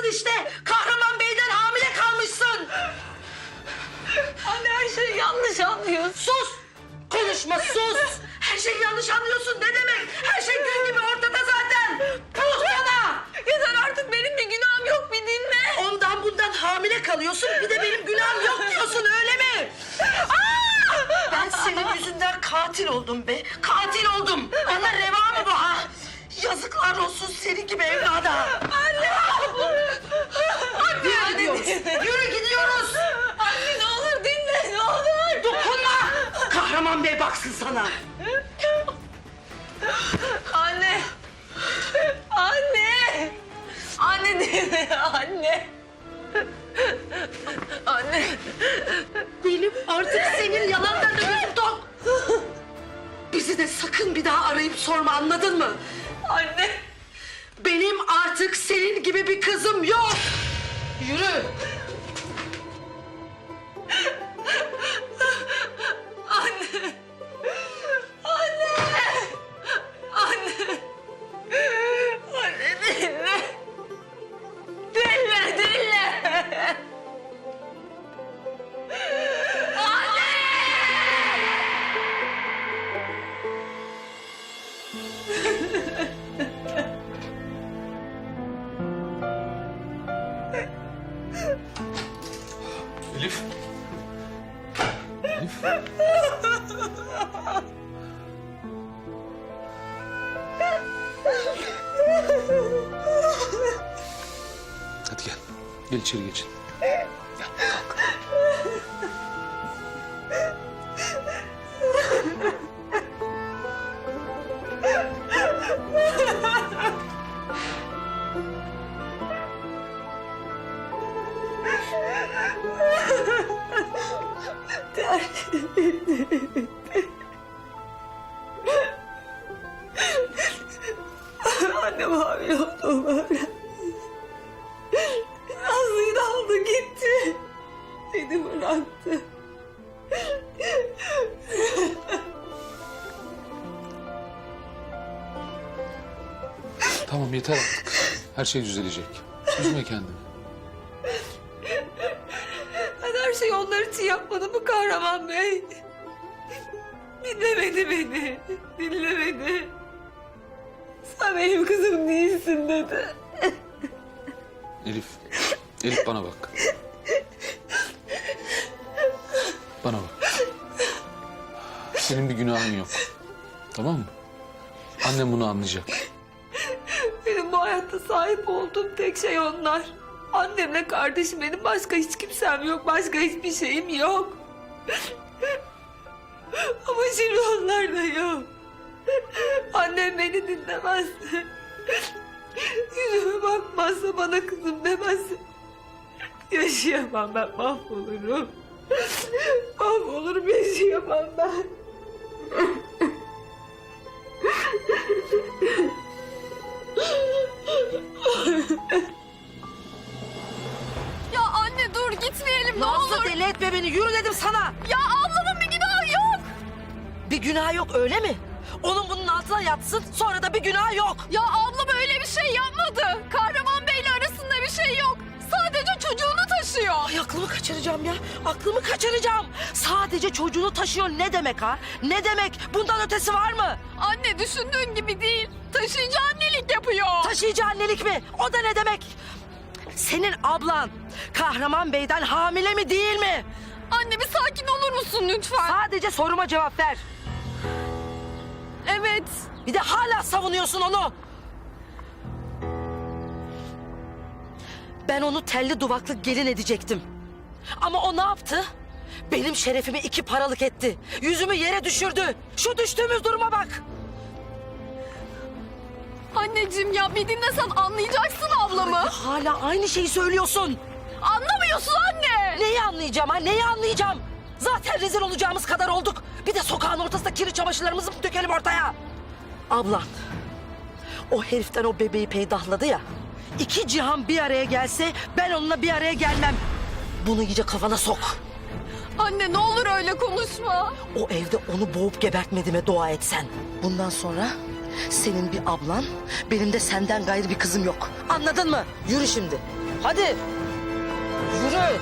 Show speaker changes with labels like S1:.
S1: işte. Kahraman Bey'den hamile kalmışsın.
S2: Anne her şeyi yanlış anlıyorsun.
S1: Sus! Konuşma sus! Her şeyi yanlış anlıyorsun ne demek? Her şey gün gibi ortada zaten. Puh sana!
S2: Yeter artık, benim bir günahım yok, bir dinle.
S1: Ondan bundan hamile kalıyorsun bir de benim günahım yok diyorsun öyle mi? Ben senin yüzünden katil oldum be. Katil oldum. Bana reva mı bu ha? Yazıklar olsun senin gibi evlada.
S2: Anne!
S1: Yürü gidiyoruz. Yürü gidiyoruz.
S2: Anne ne olur dinle, ne olur.
S1: Dokunma. Kahraman Bey baksın sana.
S2: Anne! Anne! Anne dinle, anne! Anne!
S1: Benim artık senin yalanlarına gözüm tok. Bizi de sakın bir daha arayıp sorma anladın mı?
S2: Anne!
S1: Benim artık senin gibi bir kızım yok. Yürü.
S2: Anne! Anne! Anne! Anne dinle! Dinle, dinle!
S3: Elif. Elif. Hadi gel. Gel içeri geçin. Gel kalk.
S2: Annem hamile olduğumu öğrendi. Nazlı'yı da aldı gitti. Beni bıraktı.
S3: Tamam yeter artık. Her şey düzelecek. Üzme kendini.
S2: Ben her şeyi onlar için yapmadım mı Kahraman Bey? Dinlemedi beni. Dinlemedi. Sen benim kızım değilsin dedi.
S3: Elif. Elif bana bak. Bana bak. Senin bir günahın yok. Tamam mı? Annem bunu anlayacak.
S2: Benim bu hayatta sahip olduğum tek şey onlar. Annemle kardeşim, benim başka hiç kimsem yok. Başka hiçbir şeyim yok. Ama şimdi onlar da yok. Annem beni dinlemezse, yüzüme bakmazsa, bana kızım demezse yaşayamam, ben mahvolurum. Mahvolurum, yaşayamam ben.
S4: Ya anne dur, gitmeyelim ne
S1: Nazlı
S4: olur.
S1: deli etme beni yürü dedim sana.
S4: Ya ablamın bir günahı yok.
S1: Bir günah yok öyle mi? Onun bunun altına yatsın sonra da bir günah yok.
S4: Ya ablam öyle bir şey yapmadı. Kahraman Bey'le arasında bir şey yok. Sadece çocuğunu taşıyor.
S1: Ay aklımı kaçıracağım ya. Aklımı kaçıracağım. Sadece çocuğunu taşıyor ne demek ha? Ne demek? Bundan ötesi var mı?
S4: Anne düşündüğün gibi değil. Taşıyıcı annelik yapıyor.
S1: Taşıyıcı annelik mi? O da ne demek? Senin ablan Kahraman Bey'den hamile mi değil mi?
S4: Anne bir sakin olur musun lütfen?
S1: Sadece soruma cevap ver.
S4: Evet.
S1: Bir de hala savunuyorsun onu. Ben onu telli duvaklı gelin edecektim. Ama o ne yaptı? Benim şerefimi iki paralık etti. Yüzümü yere düşürdü. Şu düştüğümüz duruma bak.
S4: Anneciğim ya bir dinlesen anlayacaksın ablamı.
S1: Hala aynı şeyi söylüyorsun.
S4: Anlamıyorsun anne.
S1: Neyi anlayacağım ha? Neyi anlayacağım? Zaten rezil olacağımız kadar olduk. Bir de sokağın ortasında kirli çamaşırlarımızı mı dökelim ortaya? Ablan, o heriften o bebeği peydahladı ya. İki cihan bir araya gelse ben onunla bir araya gelmem. Bunu iyice kafana sok.
S4: Anne ne olur öyle konuşma.
S1: O evde onu boğup gebertmediğime dua et sen. Bundan sonra senin bir ablan, benim de senden gayrı bir kızım yok. Anladın mı? Yürü şimdi. Hadi. Yürü.